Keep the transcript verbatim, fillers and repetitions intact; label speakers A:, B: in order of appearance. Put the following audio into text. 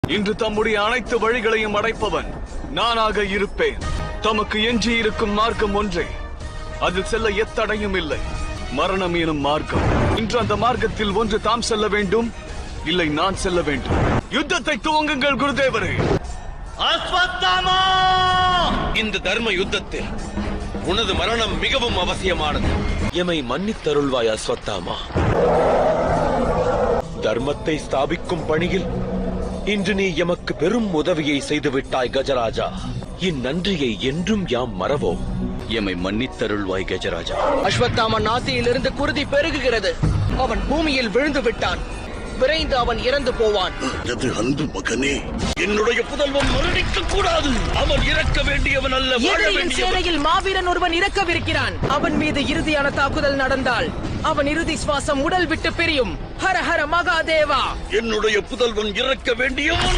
A: இன்று தம்முடைய அனைத்து வழிகளையும் அடைப்பவன் நானாக இருப்பேன். தமக்கு எஞ்சி இருக்கும் மார்க்கம் ஒன்றே, அதில் செல்ல எத்தடையும் இல்லை, மரணம் எனும் மார்க்கம். இன்று அந்த மார்க்கத்தில் ஒன்று தாம் செல்ல வேண்டும், இல்லை நான் செல்ல வேண்டும். யுத்தத்தை துவங்குங்கள் குருதேவரே.
B: அஸ்வத்தாமா! இந்த தர்ம யுத்தத்தில் உனது மரணம் மிகவும் அவசியமானது. எமை மன்னித்தருள்வாய் அஸ்வத்தாமா. தர்மத்தை ஸ்தாபிக்கும் பணியில் இன்று நீ எமக்கு பெரும் உதவியை செய்துவிட்டாய் கஜராஜா. இந்நன்றியை என்றும் யாம் மறவோம். எமை மன்னித்தருள்வாய் கஜராஜா.
C: அஸ்வத்தாமன் ஆசையிலிருந்து குருதி பெருகுகிறது. அவன் பூமியில் விழுந்து விட்டான். விரைந்து அவன் இறந்து போவான்.
D: எனது அன்பு மகனே,
B: என்னுடைய புதல்வன் மரணிக்க கூடாது. அவன் இறக்க வேண்டியவன் அல்ல, வாழ வேண்டியவன்.
C: சேனையில் மாவீரன் ஒருவன் இறக்கவிருக்கிறான். அவன் மீது இறுதியான தாக்குதல் நடந்தால் அவன் இறுதி சுவாசம் உடல் விட்டு பிரியும். ஹர ஹர மகாதேவா.
B: என்னுடைய புதல்வன் இறக்க வேண்டியவன்